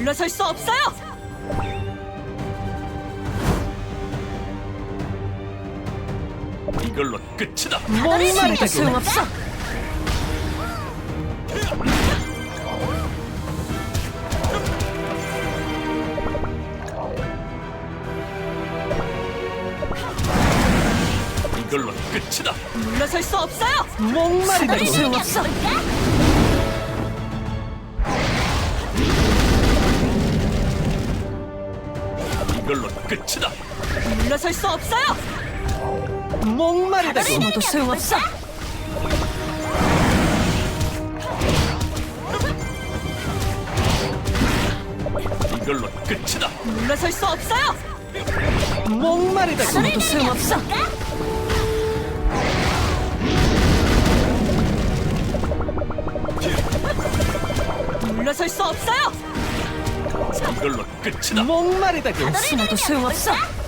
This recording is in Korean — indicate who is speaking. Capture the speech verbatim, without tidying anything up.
Speaker 1: 물러설 수 없어요.
Speaker 2: 이걸로 끝이다.
Speaker 1: 목마르다 소용없어.
Speaker 2: 이걸로 끝이다.
Speaker 1: 물러설 수 없어요.
Speaker 3: 목마르다
Speaker 1: 소용없어.
Speaker 2: 이걸로 끝이다.
Speaker 1: 물러설 수 없어요.
Speaker 3: 목마르다
Speaker 1: 숨어도 소용없어.
Speaker 2: 이걸로 끝이다.
Speaker 1: 물러설 수 없어요.
Speaker 3: 목마르다
Speaker 1: 숨어도 소용없어. 물러설 수 없어요.
Speaker 2: 이걸로 끝이다.
Speaker 3: 목마르다
Speaker 1: 숨어도 소용없어.